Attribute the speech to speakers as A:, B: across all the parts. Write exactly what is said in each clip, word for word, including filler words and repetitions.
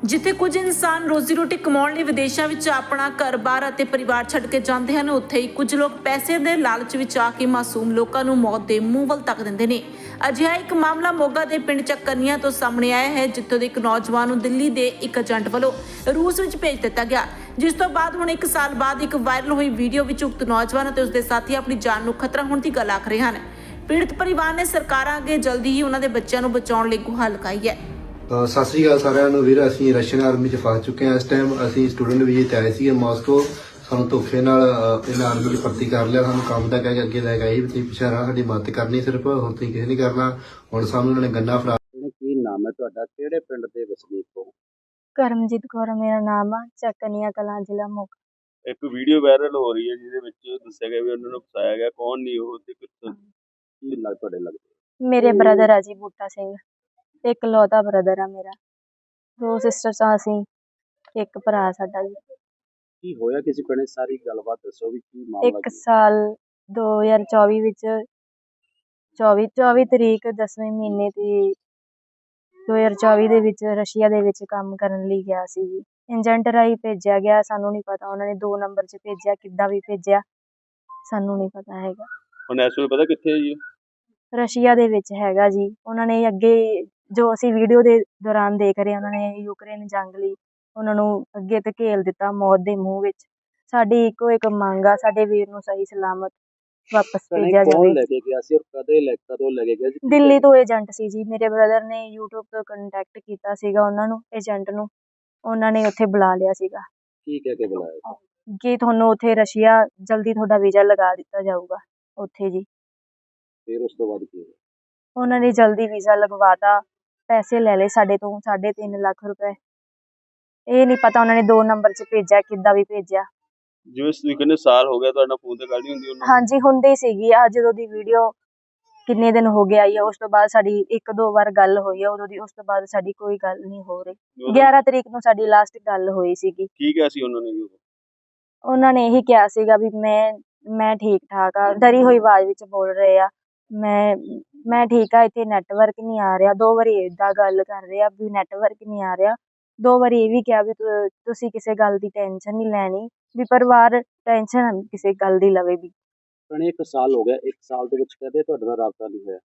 A: ਜਿੱਥੇ ਕੁਝ ਇਨਸਾਨ ਰੋਜ਼ੀ ਰੋਟੀ ਕਮਾਉਣ ਲਈ ਵਿਦੇਸ਼ਾਂ ਵਿੱਚ ਆਪਣਾ ਘਰ-ਬਾਰ ਅਤੇ ਪਰਿਵਾਰ ਛੱਡ ਕੇ ਜਾਂਦੇ ਹਨ, ਉੱਥੇ ਹੀ ਕੁਝ ਲੋਕ ਪੈਸੇ ਦੇ ਲਾਲਚ ਵਿੱਚ ਆ ਕੇ ਮਾਸੂਮ ਲੋਕਾਂ ਨੂੰ ਮੌਤ ਦੇ ਮੂੰਹ ਵੱਲ ਧੱਕ ਦਿੰਦੇ ਨੇ। ਅਜਿਹਾ ਇੱਕ ਮਾਮਲਾ ਮੋਗਾ ਦੇ ਪਿੰਡ ਚੱਕਰਨੀਆਂ ਤੋਂ ਸਾਹਮਣੇ ਆਇਆ ਹੈ, ਜਿੱਥੋਂ ਦੇ ਇੱਕ ਨੌਜਵਾਨ ਨੂੰ ਦਿੱਲੀ ਦੇ ਇੱਕ ਏਜੰਟ ਵੱਲੋਂ ਰੂਸ ਵਿੱਚ ਭੇਜ ਦਿੱਤਾ ਗਿਆ, ਜਿਸ ਤੋਂ ਬਾਅਦ ਹੁਣ ਇੱਕ ਸਾਲ ਬਾਅਦ ਇੱਕ ਵਾਇਰਲ ਹੋਈ ਵੀਡੀਓ ਵਿੱਚ ਉਕਤ ਨੌਜਵਾਨ ਅਤੇ ਉਸਦੇ ਸਾਥੀ ਆਪਣੀ ਜਾਨ ਨੂੰ ਖਤਰਾ ਹੋਣ ਦੀ ਗੱਲ ਆਖ ਰਹੇ ਹਨ। ਪੀੜਤ ਪਰਿਵਾਰ ਨੇ ਸਰਕਾਰਾਂ ਅੱਗੇ ਜਲਦੀ ਹੀ ਉਹਨਾਂ ਦੇ ਬੱਚਿਆਂ ਨੂੰ ਬਚਾਉਣ ਲਈ ਗੁਹਾਰ ਲਗਾਈ ਹੈ।
B: ਤਾਂ ਸਤਿ ਸ੍ਰੀ ਅਕਾਲ ਸਾਰਿਆਂ ਨੂੰ ਵੀਰ। ਅਸੀਂ ਰਸ਼ੀਅਨ ਆਰਮੀ 'ਚ ਫਸ ਚੁੱਕੇ ਹਾਂ। ਇਸ ਟਾਈਮ ਅਸੀਂ ਸਟੂਡੈਂਟ ਵੀਜ਼ੇ 'ਤੇ ਆਏ ਸੀਗੇ ਮਾਸਕੋ। ਸਾਨੂੰ ਧੋਖੇ ਨਾਲ ਅਹ, ਇਹਨਾਂ ਆਰਮੀ 'ਚ ਭਰਤੀ ਕਰ ਲਿਆ। ਸਾਨੂੰ ਕੰਮ ਦਾ ਕਹਿ ਕੇ ਅੱਗੇ ਲੈ ਕੇ ਆਈ ਵੀ ਤੁਸੀਂ ਪਿੱਛੇ ਰਹਿਣਾ, ਸਾਡੀ ਮਦਦ ਕਰਨੀ ਸਿਰਫ, ਹੋਰ ਤੁਸੀਂ ਕਿਸੇ ਨਹੀਂ ਕਰਨਾ। ਹੁਣ ਸਾਨੂੰ ਇਹਨਾਂ ਨੇ ਗੰਨਾ ਫੜਾ।
C: ਕੀ ਨਾਮ ਹੈ ਤੁਹਾਡਾ, ਕਿਹੜੇ ਪਿੰਡ ਦੇ ਵਸਨੀਕ ਹੋ?
D: ਕਰਮਜੀਤ ਕੌਰ ਮੇਰਾ ਨਾਮ ਆ, ਚੱਕਨੀਆਂ ਕਲਾਂ, ਜ਼ਿਲ੍ਹਾ ਮੋਗਾ।
E: ਇੱਕ ਵੀਡੀਓ ਵਾਇਰਲ ਹੋ ਰਹੀ ਹੈ ਜਿਹਦੇ ਵਿੱਚ ਦੱਸਿਆ ਗਿਆ ਵੀ ਉਹਨਾਂ ਨੂੰ ਫਸਾਇਆ ਗਿਆ, ਕੌਣ ਨਹੀਂ ਉਹ ਤੇ ਕਿੱਥੋਂ?
C: ਕੀ ਲੱਗ ਤੁਹਾਡੇ ਲੱਗਦੇ?
D: ਮੇਰੇ ਬ੍ਰਦਰ ਆ ਜੀ, ਬੂਟਾ ਸਿੰਘ, ਇੱਕ ਲੌਤਾ ਬ੍ਰਦਰ ਆ ਮੇਰਾ। ਦੋ ਸਿਸਟਰਸ ਆ ਅਸੀਂ, ਇੱਕ ਭਰਾ ਸਾਡਾ ਜੀ।
C: ਕੀ ਹੋਇਆ ਕਿਸੇ ਪਿੰਡ? ਸਾਰੀ ਗੱਲਬਾਤ ਦੱਸੋ ਵੀ ਕੀ ਮਾਮਲਾ
D: ਇੱਕ
C: ਕੀ?
D: ਸਾਲ ਦੋ ਹਜ਼ਾਰ ਚੌਵੀ ਵਿੱਚ ਚੌਵੀ ਚੌਵੀ ਤਰੀਕ ਦਸਵੇਂ ਮਹੀਨੇ ਦੀ ਦੋ ਹਜ਼ਾਰ ਚੌਵੀ ਦੇ ਵਿੱਚ ਰਸ਼ੀਆ ਦੇ ਵਿੱਚ ਕੰਮ ਕਰਨ ਲਈ ਗਿਆ ਸੀ ਜੀ। ਏਜੰਟ ਰਾਹੀਂ ਭੇਜਿਆ ਗਿਆ, ਸਾਨੂੰ ਨਹੀਂ ਪਤਾ ਉਹਨਾਂ ਨੇ ਦੋ ਨੰਬਰ 'ਚ ਭੇਜਿਆ, ਕਿੱਦਾਂ ਵੀ ਭੇਜਿਆ ਸਾਨੂੰ ਨਹੀਂ ਪਤਾ ਹੈਗਾ।
E: ਹੁਣ ਇਸ ਵੇਲੇ ਪਤਾ ਕਿੱਥੇ ਹੈ ਜੀ?
D: ਰਸ਼ੀਆ ਦੇ ਵਿੱਚ ਹੈਗਾ ਜੀ। ਉਹਨਾਂ ਨੇ ਅੱਗੇ ਜੋ ਅਸੀਂ ਵੀਡੀਓ ਦੇ ਦੌਰਾਨ ਦੇਖ ਰਹੇ, ਉਹਨਾਂ ਨੇ ਯੂਕਰੇਨ ਜੰਗ ਲਈ ਉਹਨਾਂ ਨੂੰ ਅੱਗੇ ਧਕੇਲ ਦਿੱਤਾ ਮੌਤ ਦੇ ਮੂੰਹ ਵਿੱਚ। ਸਾਡੀ ਇੱਕੋ ਇੱਕ ਮੰਗ ਆ, ਸਾਡੇ ਵੀਰ ਨੂੰ ਸਹੀ ਸਲਾਮਤ ਵਾਪਸ ਭੇਜਿਆ
C: ਕੌਣ
D: ਜਾਵੇ।
C: ਲੈ ਕੇ ਗਿਆ ਸੀ ਔਰ ਕਦੇ ਲੈ ਕਦੋਂ ਲੈ ਕੇ ਗਿਆ ਸੀ?
D: ਦਿੱਲੀ ਤੋਂ ਏਜੰਟ ਸੀ ਜੀ। ਮੇਰੇ ਬ੍ਰਦਰ ਨੇ ਯੂਟਿਊਬ ਤੋਂ ਕੰਟੈਕਟ ਕੀਤਾ ਸੀਗਾ ਉਹਨਾਂ ਨੂੰ, ਏਜੰਟ ਨੂੰ। ਉਹਨਾਂ ਨੇ ਉੱਥੇ ਬੁਲਾ ਲਿਆ ਸੀਗਾ
C: ਕੀ ਕਹਿ ਕੇ ਬੁਲਾਇਆ?
D: ਕਿ ਤੁਹਾਨੂੰ ਉੱਥੇ ਰਸ਼ੀਆ ਜਲਦੀ ਤੁਹਾਡਾ ਵੀਜ਼ਾ ਲਗਾ ਦਿੱਤਾ ਜਾਊਗਾ ਉੱਥੇ ਜੀ।
C: ਫਿਰ ਉਸ ਤੋਂ ਬਾਅਦ ਕੀ ਹੋਇਆ?
D: ਉਹਨਾਂ ਨੇ ਜਲਦੀ ਵੀਜ਼ਾ ਲਗਵਾਤਾ, ਪੈਸੇ ਲੈ ਲਏ ਸਾਡੇ ਤੋਂ ਸਾਢੇ ਤਿੰਨ ਲੱਖ ਰੁਪਏ। ਇਹ ਨਹੀਂ ਪਤਾ ਉਹਨਾਂ ਨੇ ਦੋ ਨੰਬਰ 'ਚ ਭੇਜਿਆ, ਕਿੱਦਾਂ ਵੀ ਭੇਜਿਆ।
E: ਜਿਵੇਂ ਤੁਸੀਂ ਕਹਿੰਦੇ ਸਾਲ ਹੋ ਗਿਆ, ਤੁਹਾਡਾ ਫੋਨ ਤੇ ਗੱਲ ਨਹੀਂ ਹੁੰਦੀ ਉਹਨਾਂ ਨਾਲ?
D: ਹਾਂਜੀ ਹੁੰਦੀ ਸੀਗੀ। ਆ ਜਦੋਂ ਦੀ ਵੀਡੀਓ ਕਿੰਨੇ ਦਿਨ ਹੋ ਗਏ ਆਈ ਆ, ਉਸ ਤੋਂ ਬਾਅਦ ਸਾਡੀ ਇੱਕ ਦੋ ਵਾਰ ਗੱਲ ਹੋਈ ਆ ਉਦੋਂ ਦੀ। ਉਸ ਤੋਂ ਬਾਅਦ ਸਾਡੀ ਕੋਈ ਗੱਲ ਨਹੀਂ ਹੋ ਰਹੀ।
E: ਉਦੋਂ
D: ਗਿਆਰਾਂ ਤਰੀਕ ਨੂੰ ਸਾਡੀ ਲਾਸਟ ਗੱਲ ਹੋਈ ਸੀਗੀ।
E: ਕੀ ਕਿਹਾ ਸੀ ਉਹਨਾਂ ਨੇ ਜੀ ਉਦੋਂ?
D: ਉਹਨਾਂ ਨੇ ਇਹੀ ਕਿਹਾ ਸੀਗਾ ਵੀ ਮੈਂ ਮੈਂ ਠੀਕ ਠਾਕ ਆ। ਡਰੀ ਹੋਈ ਆਵਾਜ਼ ਵਿੱਚ ਬੋਲ ਰਹੇ ਆ, ਮੈਂ ਮੈਂ ਠੀਕ ਆ, ਇੱਥੇ ਨੈਟਵਰਕ ਨਹੀਂ ਆ ਰਿਹਾ। ਦੋ ਵਾਰੀ ਏਦਾਂ ਗੱਲ ਕਰ ਰਹੇ ਆ ਵੀ ਨੈਟਵਰਕ ਨਹੀਂ ਆ ਰਿਹਾ। ਦੋ ਵਾਰੀ ਇਹ ਵੀ ਕਿਹਾ ਵੀ ਤੁ- ਤੁਸੀਂ ਕਿਸੇ ਗੱਲ ਦੀ ਟੈਨਸ਼ਨ ਨਹੀਂ ਲੈਣੀ, ਵੀ ਪਰਿਵਾਰ ਟੈਨਸ਼ਨ ਕਿਸੇ ਗੱਲ ਦੀ ਲਵੇ ਵੀ।
C: ਭੈਣੇ ਇੱਕ ਸਾਲ ਹੋ ਗਿਆ, ਇੱਕ ਸਾਲ ਦੇ ਵਿੱਚ ਕਦੇ ਤੁਹਾਡੇ ਨਾਲ ਰਾਬਤਾ ਨਹੀਂ ਹੋਇਆ?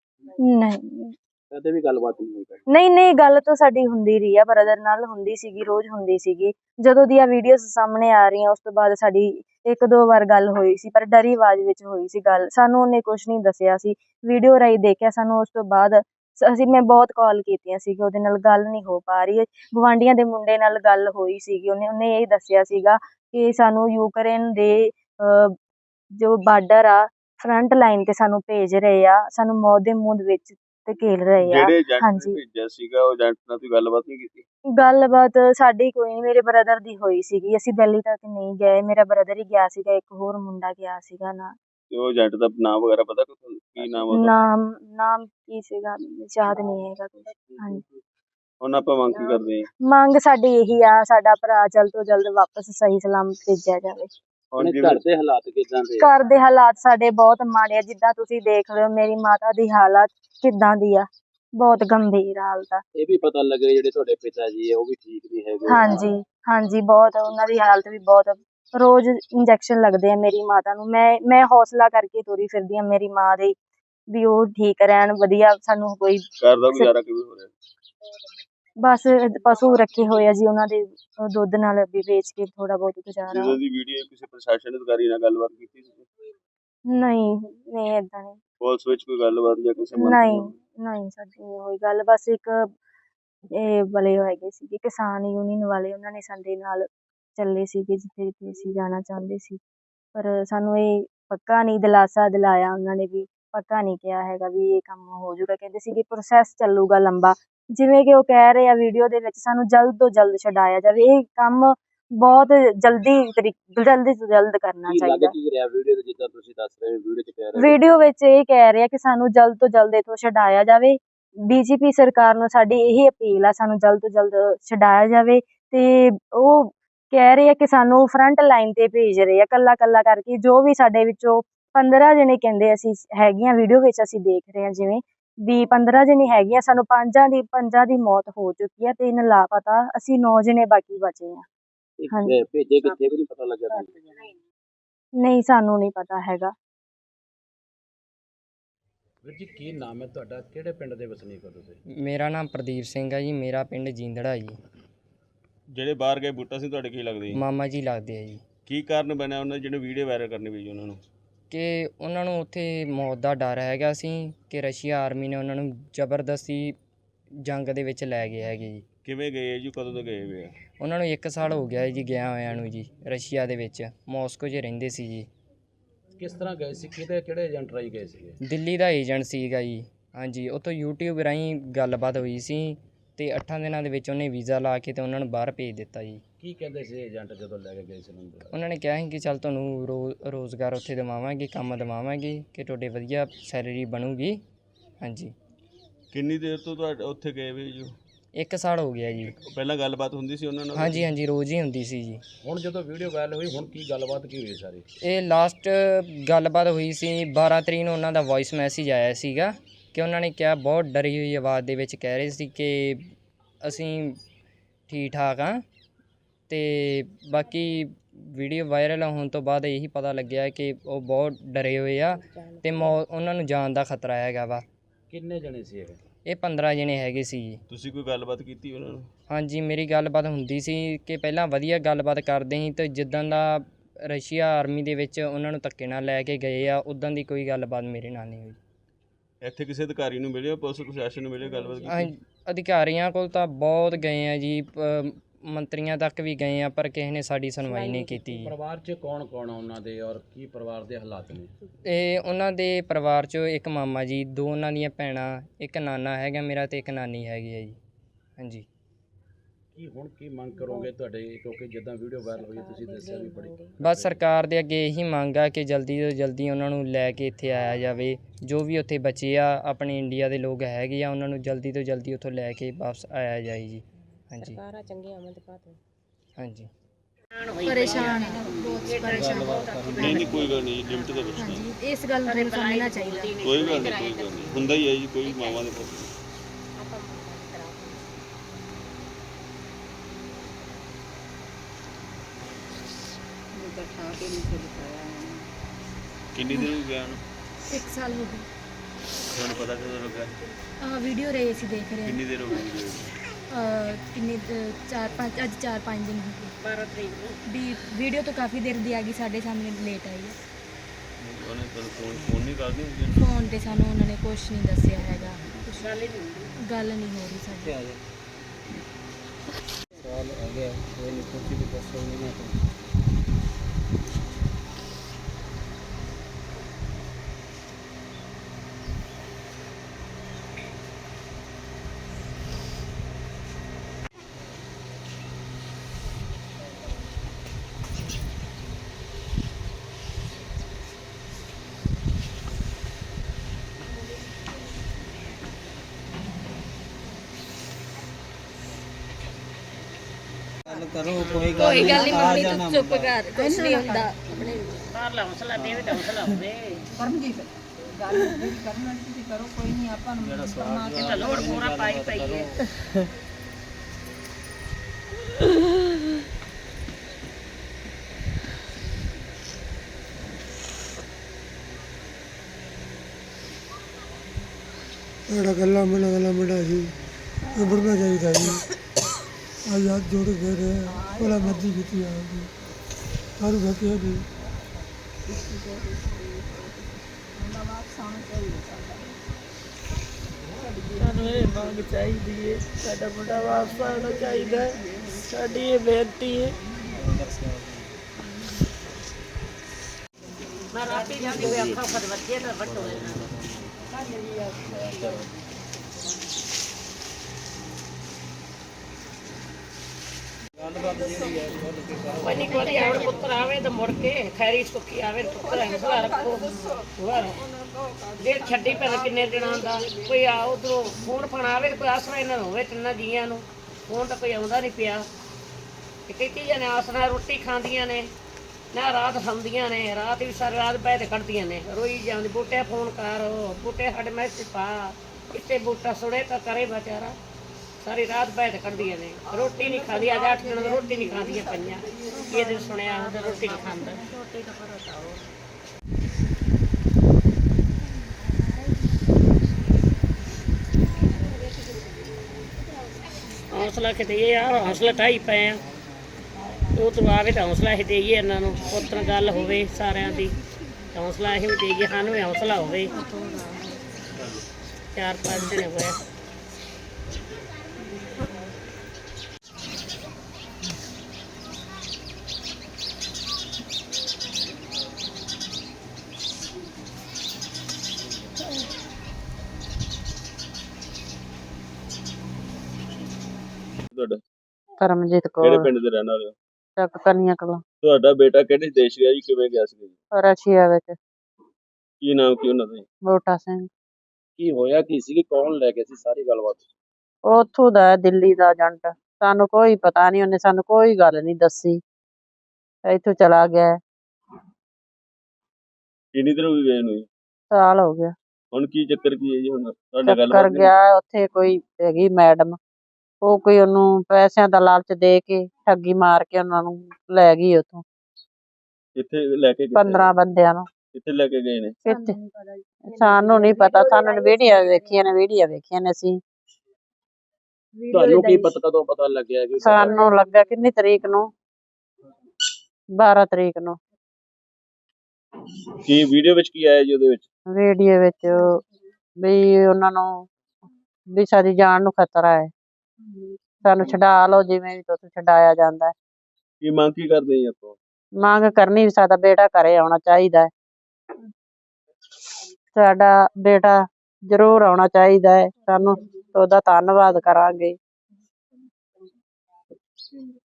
D: ਨਹੀਂ
C: ਕਦੇ ਵੀ ਗੱਲਬਾਤ ਨਹੀਂ ਹੋਈ ਭੈਣੇ?
D: ਨਹੀਂ ਨਹੀਂ ਗੱਲ ਤਾਂ ਸਾਡੀ ਹੁੰਦੀ ਰਹੀ ਆ, ਬ੍ਰਦਰ ਨਾਲ ਹੁੰਦੀ ਸੀਗੀ, ਰੋਜ਼ ਹੁੰਦੀ ਸੀਗੀ। ਜਦੋਂ ਦੀਆਂ ਵੀਡੀਓਜ਼ ਸਾਹਮਣੇ ਆ ਰਹੀਆਂ ਉਸ ਤੋਂ ਬਾਅਦ ਸਾਡੀ ਇੱਕ ਦੋ ਵਾਰ ਗੱਲ ਹੋਈ ਸੀ, ਪਰ ਡਰੀ ਆਵਾਜ਼ ਵਿੱਚ ਹੋਈ ਸੀ ਗੱਲ। ਸਾਨੂੰ ਉਹਨੇ ਕੁਝ ਨਹੀਂ ਦੱਸਿਆ ਸੀ, ਵੀਡੀਓ ਰਾਹੀਂ ਦੇਖਿਆ ਸਾਨੂੰ। ਉਸ ਤੋਂ ਬਾਅਦ ਸ- ਅਸੀਂ ਮੈਂ ਬਹੁਤ ਕਾਲ ਕੀਤੀਆਂ ਸੀ, ਉਹਦੇ ਨਾਲ ਗੱਲ ਨਹੀਂ ਹੋ ਪਾ ਰਹੀ। ਗੁਆਂਢੀਆਂ ਦੇ ਮੁੰਡੇ ਨਾਲ ਗੱਲ ਹੋਈ ਸੀਗੀ, ਉਹਨੇ ਉਹਨੇ ਇਹ ਦੱਸਿਆ ਸੀਗਾ ਕਿ ਸਾਨੂੰ ਯੂਕਰੇਨ ਦੇ ਅਹ, ਜੋ ਬਾਰਡਰ ਆ, ਫਰੰਟ ਲਾਈਨ ਤੇ ਸਾਨੂੰ ਭੇਜ ਰਹੇ ਆ, ਸਾਨੂੰ ਮੌਤ ਦੇ ਮੂੰਹ ਦੇ ਵਿੱਚ ਧਕੇਲ ਰਹੇ ਆ।
E: ਜਿਹੜੇ ਏਜੰਟ
D: ਹਾਂਜੀ।
E: ਨੇ ਭੇਜਿਆ ਸੀਗਾ ਉਹ ਏਜੰਟ ਨਾਲ ਤੁਸੀਂ ਗੱਲਬਾਤ ਨਹੀਂ ਕੀਤੀ?
D: ਗੱਲਬਾਤ ਸਾਡੀ ਕੋਈ ਨਹੀਂ, ਮੇਰੇ ਬ੍ਰਦਰ ਦੀ ਹੋਈ ਸੀਗੀ। ਅਸੀਂ ਦਿੱਲੀ ਤੱਕ ਨਹੀਂ ਗਏ, ਮੇਰਾ ਬ੍ਰਦਰ ਹੀ ਗਿਆ ਸੀਗਾ, ਇੱਕ ਹੋਰ ਮੁੰਡਾ ਗਿਆ ਸੀਗਾ ਨਾ।
E: ਤੇ ਉਹ ਏਜੰਟ ਦਾ ਨਾਮ ਵਗੈਰਾ ਪਤਾ ਕਿੱਥੋਂ- ਕੀ ਨਾਮ ਉਹਦਾ?
D: ਨਾਮ ਨਾਮ ਕੀ ਸੀਗਾ ਯਾਦ ਨਹੀਂ ਹੈਗਾ ਕੁਛ। ਹਾਂਜੀ।
E: ਹੁਣ ਆਪਾਂ ਮੰਗ ਕੀ ਕਰਦੇ ਹਾਂ?
D: ਮੰਗ ਸਾਡੀ ਇਹੀ ਆ, ਸਾਡਾ ਭਰਾ ਜਲਦ ਤੋਂ ਜਲਦ ਵਾਪਸ ਸਹੀ ਸਲਾਮਤ ਭੇਜਿਆ ਜਾਵੇ।
E: ਹੁਣ
C: ਭੈਣੇ
E: ਜਿਵੇਂ
C: ਘਰ ਦੇ ਹਾਲਾਤ ਕਿਦਾਂ ਦੇ?
D: ਘਰ ਦੇ ਹਾਲਾਤ ਸਾਡੇ ਬਹੁਤ ਮਾੜੇ ਆ, ਜਿੱਦਾਂ ਤੁਸੀਂ ਦੇਖ ਰਹੇ ਹੋ। ਮੇਰੀ ਮਾਤਾ ਦੀ ਹਾਲਤ ਕਿੱਦਾਂ ਦੀ ਆ, ਬਹੁਤ ਗੰਭੀਰ ਹਾਲਤ ਆ।
C: ਇਹ ਵੀ ਪਤਾ ਲੱਗ ਰਿਹਾ ਜਿਹੜੇ ਤੁਹਾਡੇ ਪਿਤਾ ਜੀ ਹੈ ਉਹ ਵੀ ਠੀਕ ਨਹੀਂ ਹੈਗੇ।
D: ਹਾਂਜੀ ਹਾਂਜੀ, ਬਹੁਤ ਉਹਨਾਂ ਦੀ ਹਾਲਤ ਵੀ ਬਹੁਤ। ਰੋਜ਼ ਇੰਜੈਕਸ਼ਨ ਲੱਗਦੇ ਆ ਮੇਰੀ ਮਾਤਾ ਨੂੰ। ਮੈਂ ਮੈਂ ਹੌਸਲਾ ਕਰਕੇ ਤੁਰੀ ਫਿਰਦੀ ਆ ਮੇਰੀ ਮਾਂ ਦੇ, ਵੀ ਉਹ ਠੀਕ ਰਹਿਣ, ਵਧੀਆ। ਸਾਨੂੰ ਕੋਈ
E: ਘਰ ਦਾ ਗੁਜ਼ਾਰਾ ਕਿਵੇਂ ਹੋ ਰਿਹਾ?
D: ਬਸ ਪਸ਼ੂ ਰੱਖੇ ਹੋਏ ਆ ਜੀ, ਉਹਨਾਂ ਦੇ ਉਹ ਦੁੱਧ ਨਾਲ ਵੀ ਵੇਚ ਕੇ ਥੋੜਾ ਬਹੁਤ ਗੁਜ਼ਾਰਾ।
E: ਜਦੋਂ ਦੀ ਵੀਡੀਓ ਕਿਸੇ ਪ੍ਰਸ਼ਾਸਨ ਅਧਿਕਾਰੀ ਨਾਲ ਗੱਲਬਾਤ ਕੀਤੀ ਸੀ?
D: ਨਹੀਂ ਨਹੀਂ ਏਦਾਂ ਨਹੀਂ।
E: ਪੁਲਿਸ ਵਿੱਚ ਕੋਈ ਗੱਲਬਾਤ ਜਾਂ ਕਿਸੇ ਮੰਤਰੀ
D: ਨਹੀਂ
E: ਨਾਲ?
D: ਨਹੀਂ ਸਾਡੀ ਨਹੀਂ ਹੋਈ ਗੱਲ। ਬਸ ਇੱਕ ਇਹ ਵਾਲੇ ਹੈਗੇ ਸੀਗੇ ਕਿਸਾਨ ਯੂਨੀਅਨ ਵਾਲੇ, ਉਹਨਾਂ ਨੇ ਸਾਡੇ ਨਾਲ ਚੱਲੇ ਸੀਗੇ ਜਿੱਥੇ ਜਿੱਥੇ ਅਸੀਂ ਜਾਣਾ ਚਾਹੁੰਦੇ ਸੀ। ਪਰ ਸਾਨੂੰ ਇਹ ਪੱਕਾ ਨਹੀਂ ਦਿਲਾਸਾ ਦਿਲਾਇਆ ਉਹਨਾਂ ਨੇ, ਵੀ ਪੱਕਾ ਨਹੀਂ ਕਿਹਾ ਹੈਗਾ ਵੀ ਇਹ ਕੰਮ ਹੋ ਜਾਊਗਾ। ਕਹਿੰਦੇ ਸੀਗੇ ਪ੍ਰੋਸੈਸ ਚੱਲੂਗਾ ਲੰਬਾ, ਜਿਵੇਂ ਕਿ ਉਹ ਕਹਿ ਰਹੇ ਆ ਵੀਡੀਓ ਦੇ ਵਿੱਚ, ਸਾਨੂੰ ਜਲਦ ਤੋਂ ਜਲਦ ਛਡਾਇਆ ਜਾਵੇ। ਇਹ ਕੰਮ ਬਹੁਤ ਜਲਦੀ ਤਰੀਕ ਜਲਦੀ ਤੋਂ ਜਲਦ ਕਰਨਾ
C: ਕੀ ਲੱਗ
D: ਚਾਹੀਦਾ।
C: ਕੀ ਰਿਹਾ ਵੀਡੀਓ ਤੇ, ਜਿੱਦਾਂ ਤੁਸੀਂ ਦੱਸ ਰਹੇ ਹੋ ਵੀਡੀਓ 'ਚ ਕਹਿ ਰਹੇ ਹੋ?
D: ਵੀਡੀਓ ਵਿੱਚ ਇਹ ਕਹਿ ਰਹੇ ਆ ਕਿ ਸਾਨੂੰ ਜਲਦ ਤੋਂ ਜਲਦ ਇੱਥੋਂ ਛਡਾਇਆ ਜਾਵੇ। ਬੀਜੇਪੀ ਸਰਕਾਰ ਨੂੰ ਸਾਡੀ ਇਹੀ ਅਪੀਲ ਆ, ਸਾਨੂੰ ਜਲਦ ਤੋਂ ਜਲਦ ਛਡਾਇਆ ਜਾਵੇ। ਤੇ ਉਹ ਕਹਿ ਰਹੇ ਆ ਕਿ ਸਾਨੂੰ ਫਰੰਟ ਲਾਈਨ ਤੇ ਭੇਜ ਰਹੇ ਆ, ਕੱਲਾ ਕੱਲਾ ਕਰਕੇ। ਜੋ ਵੀ ਸਾਡੇ ਵਿੱਚੋਂ ਪੰਦਰਾਂ ਜਣੇ ਕਹਿੰਦੇ ਅਸੀਂ ਹੈਗੀਆਂ, ਵੀਡੀਓ ਵਿੱਚ ਅਸੀਂ ਦੇਖ ਰਹੇ ਹਾਂ ਜਿਵੇਂ ਵੀ ਪੰਦਰਾਂ ਜਣੇ ਹੈਗੇ ਆ, ਸਾਨੂੰ ਪੰਜਾਂ ਦੀ ਪੰਜਾਂ ਦੀ ਮੌਤ ਹੋ ਚੁੱਕੀ ਆ, ਤਿੰਨ ਲਾਪਤਾ, ਅਸੀਂ ਨੌ ਜਣੇ ਬਾਕੀ ਬਚੇ ਆ।
C: ਇੱਕ
D: ਹਾਂਜੀ।
C: ਅਹ ਭੇਜੇ ਕਿੱਥੇ ਵੀ ਨਹੀਂ ਪਤਾ ਲੱਗਿਆ ਤੁਹਾਨੂੰ?
D: ਨਹੀਂ, ਸਾਨੂੰ ਨਹੀਂ ਪਤਾ ਹੈਗਾ।
F: ਵੀਰ ਜੀ ਕੀ ਨਾਮ ਹੈ ਤੁਹਾਡਾ, ਕਿਹੜੇ ਪਿੰਡ ਦੇ ਵਸਨੀਕ ਹੋ ਤੁਸੀਂ?
G: ਮੇਰਾ ਨਾਮ ਪ੍ਰਦੀਪ ਸਿੰਘ ਹੈ ਜੀ, ਮੇਰਾ ਪਿੰਡ ਜੀਂਦੜਾ ਜੀ।
E: ਜਿਹੜੇ ਬਾਹਰ ਗਏ ਬੂਟਾ ਸਿੰਘ ਤੁਹਾਡੇ ਕੀ ਲੱਗਦੇ ਜੀ?
G: ਮਾਮਾ ਜੀ ਲੱਗਦੇ ਆ ਜੀ।
E: ਕੀ ਕਾਰਨ ਬਣਿਆ ਉਹਨਾਂ ਦੀ ਜਿਹੜੇ ਵੀਡੀਓ ਵਾਇਰਲ ਕਰਨੀ ਪਈ ਜੀ ਉਹਨਾਂ ਨੂੰ?
G: ਕਿ ਉਹਨਾਂ ਨੂੰ ਉੱਥੇ ਮੌਤ ਦਾ ਡਰ ਹੈਗਾ ਸੀ ਕਿ ਰਸ਼ੀਆ ਆਰਮੀ ਨੇ ਉਹਨਾਂ ਨੂੰ ਜ਼ਬਰਦਸਤੀ ਜੰਗ ਦੇ ਵਿੱਚ ਲੈ ਗਏ ਹੈਗੇ ਜੀ।
E: ਕਿਵੇਂ ਗਏ ਜੀ, ਕਦੋਂ ਤੋਂ ਗਏ ਹੋਏ ਆ?
G: ਉਹਨਾਂ ਨੂੰ ਇੱਕ ਸਾਲ ਹੋ ਗਿਆ ਜੀ ਗਿਆ ਹੋਇਆਂ ਨੂੰ ਜੀ। ਰਸ਼ੀਆ ਦੇ ਵਿੱਚ ਮਾਸਕੋ 'ਚ ਰਹਿੰਦੇ ਸੀ ਜੀ।
F: ਕਿਸ ਤਰ੍ਹਾਂ ਗਏ ਸੀ, ਕਿਹਦੇ ਕਿਹੜੇ ਏਜੰਟ ਰਾਹੀਂ ਗਏ ਸੀਗੇ?
G: ਦਿੱਲੀ ਦਾ ਏਜੰਟ ਸੀਗਾ ਜੀ। ਹਾਂਜੀ, ਉੱਥੋਂ ਯੂਟਿਊਬ ਰਾਹੀਂ ਗੱਲਬਾਤ ਹੋਈ ਸੀ ਅਤੇ ਅੱਠਾਂ ਦਿਨਾਂ ਦੇ ਵਿੱਚ ਉਹਨੇ ਵੀਜ਼ਾ ਲਾ ਕੇ ਅਤੇ ਉਹਨਾਂ ਨੂੰ ਬਾਹਰ ਭੇਜ ਦਿੱਤਾ ਜੀ।
F: ਕੀ ਕਹਿੰਦੇ ਸੀ ਏਜੰਟ ਜਦੋਂ ਲੈ ਕੇ ਗਏ ਸੀ ਉਹਨਾਂ ਨੂੰ?
G: ਉਹਨਾਂ ਨੇ ਕਿਹਾ ਸੀ ਕਿ ਚੱਲ ਤੁਹਾਨੂੰ ਰੋ ਰੋਜ਼ਗਾਰ ਉੱਥੇ ਦਿਵਾਵਾਂਗੇ, ਕੰਮ ਦਿਵਾਵਾਂਗੇ, ਕਿ ਤੁਹਾਡੇ ਵਧੀਆ ਸੈਲਰੀ ਬਣੂਗੀ। ਹਾਂਜੀ।
E: ਕਿੰਨੀ ਦੇਰ ਤੋਂ ਤੁਹਾਡੇ ਉੱਥੇ ਗਏ ਹੋਏ ਜੀ?
G: ਇੱਕ ਸਾਲ ਹੋ ਗਿਆ ਜੀ।
E: ਪਹਿਲਾਂ ਗੱਲਬਾਤ ਹੁੰਦੀ ਸੀ ਉਹਨਾਂ ਨਾਲ?
G: ਹਾਂਜੀ ਹਾਂਜੀ, ਰੋਜ਼ ਹੀ ਹੁੰਦੀ ਸੀ ਜੀ।
F: ਹੁਣ ਜਦੋਂ ਵੀਡੀਓ ਵਾਇਰਲ ਹੋਈ, ਹੁਣ ਕੀ ਗੱਲਬਾਤ ਕੀ ਹੋਈ ਸਾਰੀ?
G: ਇਹ ਲਾਸਟ ਗੱਲਬਾਤ ਹੋਈ ਸੀ ਬਾਰਾਂ ਤਰੀਕ ਨੂੰ। ਉਹਨਾਂ ਦਾ ਵੌਇਸ ਮੈਸੇਜ ਆਇਆ ਸੀਗਾ ਕਿ ਉਹਨਾਂ ਨੇ ਕਿਹਾ, ਬਹੁਤ ਡਰੀ ਹੋਈ ਆਵਾਜ਼ ਦੇ ਵਿੱਚ ਕਹਿ ਰਹੇ ਸੀ ਕਿ ਅਸੀਂ ਠੀਕ ਠਾਕ ਹਾਂ। ਅਤੇ ਬਾਕੀ ਵੀਡੀਓ ਵਾਇਰਲ ਹੋਣ ਤੋਂ ਬਾਅਦ ਇਹੀ ਪਤਾ ਲੱਗਿਆ ਕਿ ਉਹ ਬਹੁਤ ਡਰੇ ਹੋਏ ਆ ਅਤੇ ਮੌ ਉਹਨਾਂ ਨੂੰ ਜਾਨ ਦਾ ਖਤਰਾ ਹੈਗਾ ਵਾ।
F: ਕਿੰਨੇ ਜਣੇ ਸੀ ਇਹ?
G: ਇਹ ਪੰਦਰਾਂ ਜਣੇ ਹੈਗੇ ਸੀ ਜੀ।
E: ਤੁਸੀਂ ਕੋਈ ਗੱਲਬਾਤ ਕੀਤੀ ਉਹਨਾਂ ਨੂੰ?
G: ਹਾਂਜੀ, ਮੇਰੀ ਗੱਲਬਾਤ ਹੁੰਦੀ ਸੀ ਕਿ ਪਹਿਲਾਂ ਵਧੀਆ ਗੱਲਬਾਤ ਕਰਦੇ ਸੀ, ਅਤੇ ਜਿੱਦਾਂ ਦਾ ਰਸ਼ੀਆ ਆਰਮੀ ਦੇ ਵਿੱਚ ਉਹਨਾਂ ਨੂੰ ਧੱਕੇ ਨਾਲ ਲੈ ਕੇ ਗਏ ਆ, ਉੱਦਾਂ ਦੀ ਕੋਈ ਗੱਲਬਾਤ ਮੇਰੇ ਨਾਲ ਨਹੀਂ ਹੋਈ।
E: ਇੱਥੇ ਕਿਸੇ ਅਧਿਕਾਰੀ ਨੂੰ ਮਿਲੇ, ਪੁਲਿਸ ਪ੍ਰਸ਼ਾਸਨ ਨੂੰ ਮਿਲੇ, ਗੱਲਬਾਤ ਕੀਤੀ?
G: ਹਾਂ, ਅਧਿਕਾਰੀਆਂ ਕੋਲ ਤਾਂ ਬਹੁਤ ਗਏ ਆ ਜੀ, ਪ- ਮੰਤਰੀਆਂ ਤੱਕ ਵੀ ਗਏ ਆ, ਪਰ ਕਿਸੇ ਨੇ ਸਾਡੀ ਸੁਣਵਾਈ ਨਹੀਂ ਕੀਤੀ ਜੀ।
F: ਪਰਿਵਾਰ 'ਚ ਕੌਣ ਕੌਣ ਆ ਉਹਨਾਂ ਦੇ, ਔਰ ਕੀ ਪਰਿਵਾਰ ਦੇ ਹਾਲਾਤ ਨੇ?
G: ਇਹ ਉਹਨਾਂ ਦੇ ਪਰਿਵਾਰ 'ਚੋਂ ਇੱਕ ਮਾਮਾ ਜੀ, ਦੋ ਉਹਨਾਂ ਦੀਆਂ ਭੈਣਾਂ, ਇੱਕ ਨਾਨਾ ਹੈਗਾ ਮੇਰਾ ਅਤੇ ਇੱਕ ਨਾਨੀ ਹੈਗੀ ਹੈ ਜੀ। ਹਾਂਜੀ।
F: ਕੀ ਹੁਣ ਕੀ ਮੰਗ ਕਰੋਗੇ ਤੁਹਾਡੇ, ਕਿਉਂਕਿ ਜਿੱਦਾਂ ਵੀਡੀਓ ਵਾਇਰਲ ਹੋਈ ਤੁਸੀਂ ਦੱਸਿਆ ਵੀ ਬੜੀ?
G: ਬਸ ਸਰਕਾਰ ਦੇ ਅੱਗੇ ਇਹੀ ਮੰਗ ਆ ਕਿ ਜਲਦੀ ਤੋਂ ਜਲਦੀ ਉਹਨਾਂ ਨੂੰ ਲੈ ਕੇ ਇੱਥੇ ਆਇਆ ਜਾਵੇ। ਜੋ ਵੀ ਉੱਥੇ ਬਚੇ ਆ ਆਪਣੇ ਇੰਡੀਆ ਦੇ ਲੋਕ ਹੈਗੇ ਆ, ਉਹਨਾਂ ਨੂੰ ਜਲਦੀ ਤੋਂ ਜਲਦੀ ਉੱਥੋਂ ਲੈ ਕੇ ਵਾਪਸ ਆਇਆ ਜਾਏ ਜੀ। ਹਾਂਜੀ ਹਾਂਜੀ।
H: ਪਰੇਸ਼ਾਨ ਆ, ਬਹੁਤ ਪਰੇਸ਼ਾਨ।
E: ਨਹੀਂ ਨਹੀਂ, ਕੋਈ ਗੱਲ ਨਹੀਂ, ਲਿਮਟ ਦੇ ਵਿੱਚ ਨਹੀਂ।
H: ਹਾਂਜੀ, ਇਸ ਗੱਲ ਨੂੰ ਸਮਝਣਾ ਚਾਹੀਦਾ।
E: ਕੋਈ ਗੱਲ ਨਹੀਂ, ਕੋਈ ਗੱਲ ਨਹੀਂ, ਹੁੰਦਾ ਹੀ ਹੈ ਜੀ, ਕੋਈ ਮਾਵਾਂ ਦੇ ਪੁੱਤ। ਕਿੰਨੀ ਦੇਰ ਹੋ ਗਿਆ ਉਹਨੂੰ?
H: ਇੱਕ ਸਾਲ ਹੋ ਗਈ।
E: ਤੁਹਾਨੂੰ ਪਤਾ ਕਦੋਂ ਲੱਗਾ?
H: ਆਹ ਵੀਡੀਓ ਰਹੇ ਸੀ ਦੇਖ ਰਹੇ।
E: ਕਿੰਨੀ ਦੇਰ ਹੋ ਗਈ?
H: ਅਹ ਕਿੰਨੇ ਅਹ ਚਾਰ ਪੰਜ ਅੱਜ ਚਾਰ ਪੰਜ ਦਿਨ ਹੋ ਗਏ। ਬਾਰਾਂ ਤਰੀਕ ਨੂੰ ਵੀ ਵੀਡੀਓ ਤਾਂ ਕਾਫੀ ਦੇਰ ਦੀ ਆ ਗਈ, ਸਾਡੇ ਸਾਹਮਣੇ ਲੇਟ ਆਈ ਹੈ।
E: ਉਹਨੇ ਤੁਹਾਨੂੰ ਫੋਨ ਫੋਨ ਨਹੀਂ ਕਰਦੀ ਹੁੰਦੀ?
H: ਫੋਨ ਤੇ ਸਾਨੂੰ ਉਹਨਾਂ ਨੇ ਕੁਝ ਨਹੀਂ ਦੱਸਿਆ ਹੈਗਾ, ਕੁਛ ਗੱਲ ਨਹੀਂ ਹੋ ਰਹੀ ਸਾਡੀ।
G: ਸਾਲ ਆ ਗਿਆ, ਕੋਈ ਨਹੀਂ, ਕੁਝ ਵੀ ਦੱਸੋ ਨਹੀਂ। ਕਰੋ ਕੋਈ ਗੱਲ ਨਹੀਂ, ਮੰਮੀ ਤੂੰ ਚੁੱਪ ਕਰ, ਕੁਛ ਨਹੀਂ ਹੁੰਦਾ। ਆਪਣੇ ਬਾਹਰ ਹੌਸਲਾ ਦੇ, ਹੌਸਲਾ ਹੋਵੇ। ਪਰਮਜੀਤ ਗੱਲ ਜਿਹੜੀ ਕਰਨ ਵਾਲੀ ਤੁਸੀਂ ਕਰੋ, ਕੋਈ ਨਹੀਂ, ਆਪਾਂ ਨੂੰ ਕਰਨਾ ਕਿ ਤਾਂ ਲੋੜ ਪੂਰਾ ਪਾਈ ਪਈ ਹੈ।
I: ਜਿਹੜਾ ਗੱਲਾਂ ਮਿਲਾ ਗੱਲਾਂ ਮਿਲਾ ਸੀ ਨਿਬੜਨਾ ਚਾਹੀਦਾ ਜੀ। ਅੱਜ ਹੱਥ ਜੋੜ ਕੇ ਰਹੇ ਬੜਾ ਮਰਜ਼ੀ ਕੀਤੀ ਆ ਜੀ, ਸਾਰੂ ਬਚਿਆ ਜੀ।
J: ਸਾਨੂੰ ਇਹ ਮੰਗ ਚਾਹੀਦੀ ਹੈ, ਸਾਡਾ ਮੁੰਡਾ ਵਾਪਸ ਆਉਣਾ ਚਾਹੀਦਾ, ਸਾਡੀ ਇਹ ਬੇਨਤੀ ਹੈ। ਮੈਂ ਰਾਤੀ ਜਾਂਦੀ ਹੋਈ ਅੱਖਾਂ ਫੜ ਵੱਜੇ ਤਾਂ ਵੱਟੋ ਇਹਨਾਂ ਨੂੰ। ਕੋਈ ਨਹੀਂ, ਕੋਈ ਆਵੇ ਪੁੱਤਰ ਆਵੇ ਤਾਂ ਮੁੜ ਕੇ ਖੈਰੀ ਸੁੱਖੀ ਆਵੇ, ਪੁੱਤਰ ਹੌਸਲਾ ਰੱਖੋ। ਡੇਢ ਛੱਡੀ ਪਹਿਲਾਂ ਕਿੰਨੇ ਦਿਨਾਂ ਦਾ ਕੋਈ ਆ ਉਧਰੋਂ ਫੋਨ ਫਾਨ ਆਵੇ, ਕੋਈ ਆਸਰਾ ਇਹਨਾਂ ਨੂੰ ਹੋਵੇ ਤਿੰਨਾਂ ਜੀਆਂ ਨੂੰ। ਫੋਨ ਤਾਂ ਕੋਈ ਆਉਂਦਾ ਨਹੀਂ ਪਿਆ। ਤੇ ਕਿਤੇ ਜਣੇ ਆਸ ਨਾਲ ਰੋਟੀ ਖਾਂਦੀਆਂ ਨੇ ਨਾ, ਰਾਤ ਸੌਂਦੀਆਂ ਨੇ, ਰਾਤ ਵੀ ਸਾਰੀ ਰਾਤ ਬਹਿ ਤੇ ਕੱਢਦੀਆਂ ਨੇ, ਰੋਈ ਜਾਂਦੀ। ਬੂਟੇ ਫੋਨ ਕਰ, ਬੂਟੇ ਸਾਡੇ ਮੈਸੇਜ ਪਾ, ਇੱਥੇ ਬੂਟਾ ਸੁਣੇ ਤਾਂ ਕਰੇ ਵਿਚਾਰਾ ਸਾਰੀ ਰਾਤ ਬੈਠ ਕੱਢਦੀਆਂ ਨੇ ਰੋਟੀ ਨਹੀਂ ਖਾਂਦੀ ਅੱਜ ਅੱਠ ਦਿਨ ਤੋਂ ਰੋਟੀ ਨਹੀਂ ਖਾਂਦੀਆਂ ਪਈਆਂ ਇਹ ਦਿਨ ਸੁਣਿਆ ਉਹਦਾ ਰੋਟੀ ਨਹੀਂ ਖਾਂਦਾ ਹੌਸਲਾ ਕਿਤੇ ਇਹ ਆ ਹੌਸਲਾ ਢਾਈ ਪਏ ਆ ਉਹ ਤੋਂ ਆਵੇ ਤਾਂ ਹੌਸਲਾ ਇਹ ਦੇਈਏ ਇਹਨਾਂ ਨੂੰ ਪੁੱਤਰ ਗੱਲ ਹੋਵੇ ਸਾਰਿਆਂ ਦੀ ਹੌਸਲਾ ਇਹ ਵੀ ਦੇਈਏ ਸਾਨੂੰ ਵੀ ਹੌਸਲਾ ਹੋਵੇ ਚਾਰ ਪੰਜ ਦਿਨ ਹੋਏ
E: ਤੁਹਾਡਾ
K: ਪਰਮਜੀਤ
E: ਕਿਹੜੇ
K: ਕੌਰ
E: ਪਿੰਡ ਦੇ ਰਹਿਣ ਵਾਲੇ ਹੋ?
K: ਚੱਕ ਕਨੀਆਂ ਕਲਾਂ
E: ਤੁਹਾਡਾ ਬੇਟਾ ਕਿਹੜੇ ਦੇਸ਼ ਗਿਆ ਜੀ, ਕਿਵੇਂ ਗਿਆ ਸੀ ਜੀ?
K: ਰਸ਼ੀਆ ਵਿੱਚ
E: ਕੀ ਨਾਮ ਕੀ ਉਹਨਾਂ ਦਾ ਜੀ?
K: ਬੂਟਾ ਸਿੰਘ
F: ਕੀ ਹੋਇਆ ਕੀ ਸੀ, ਕੌਣ ਲੈ ਕੇ ਸੀ, ਸਾਰੀ ਗੱਲਬਾਤ?
K: ਉਹ ਉੱਥੋਂ ਦਾ ਹੈ, ਦਿੱਲੀ ਦਾ ਏਜੰਟ। ਸਾਨੂੰ ਕੋਈ ਪਤਾ ਨਹੀਂ, ਉਹਨੇ ਸਾਨੂੰ ਕੋਈ ਗੱਲ ਨਹੀਂ ਦੱਸੀ, ਇੱਥੋਂ ਚਲਾ ਗਿਆ ਹੈ।
E: ਕਿੰਨੀ ਦੇਰ ਹੋ ਗਈ ਗਏ ਨੂੰ ਜੀ?
K: ਸਾਲ ਹੋ ਗਿਆ।
E: ਹੁਣ ਕੀ ਚੱਕਰ ਕੀ ਹੈ ਜੀ? ਹੁਣ ਤੁਹਾਡੇ
K: ਚੱਕਰ
E: ਗੱਲਬਾਤ ਨਹੀਂ?
K: ਗਿਆ ਉੱਥੇ ਕੋਈ ਹੈਗੀ ਮੈਡਮ, ਉਹ ਕੋਈ ਉਹਨੂੰ ਪੈਸਿਆਂ ਦਾ ਲਾਲਚ ਦੇ ਕੇ ਠੱਗੀ ਮਾਰ ਕੇ ਉਹਨਾਂ ਨੂੰ ਲੈ ਗਈ ਉੱਥੋਂ
E: ਕਿੱਥੇ ਲੈ ਕੇ ਕਿੱਥੇ?
K: ਪੰਦਰਾਂ ਬੰਦਿਆਂ ਨੂੰ।
E: ਕਿੱਥੇ ਲੈ ਕੇ ਗਏ ਨੇ?
K: ਕਿੱਥੇ ਸਾਨੂੰ ਨਹੀਂ ਪਤਾ, ਸਾਨੂੰ ਵੀਡੀਓ ਵੇਖੀਆਂ ਨੇ, ਵੀਡੀਓ ਵੇਖੀਆਂ ਨੇ ਅਸੀਂ।
F: ਤੁਹਾਨੂੰ ਕੀ ਪਤਾ ਕਦੋਂ ਪਤਾ ਲੱਗਿਆ ਕਿ
K: ਸਾਨੂੰ ਲੱਗਾ ਕਿੰਨੀ ਤਰੀਕ ਨੂੰ, ਬਾਰਾਂ ਤਰੀਕ ਨੂੰ।
E: ਕੀ ਵੀਡੀਓ ਵਿੱਚ ਕੀ ਆਇਆ ਜੀ ਉਹਦੇ ਵਿੱਚ?
K: ਵੀਡੀਓ ਵਿੱਚ ਵੀ ਉਹਨਾਂ ਨੂੰ ਵੀ ਸਾਡੀ ਜਾਨ ਨੂੰ ਖਤਰਾ ਹੈ, ਸਾਨੂੰ ਛਡਾ ਲਓ ਜਿਵੇਂ ਵੀ ਤੁਸੀਂ ਛਡਾਇਆ ਜਾਂਦਾ ਹੈ।
E: ਕੀ ਮੰਗ ਕੀ ਕਰਦੇ ਜੀ ਆਪਾਂ?
K: ਮੰਗ ਕਰਨੀ ਵੀ ਸਾਡਾ ਬੇਟਾ ਘਰੇ ਆਉਣਾ ਚਾਹੀਦਾ ਹੈ, ਸਾਡਾ ਬੇਟਾ ਜ਼ਰੂਰ ਆਉਣਾ ਚਾਹੀਦਾ ਹੈ, ਸਾਨੂੰ ਉਹਦਾ ਧੰਨਵਾਦ ਕਰਾਂਗੇ।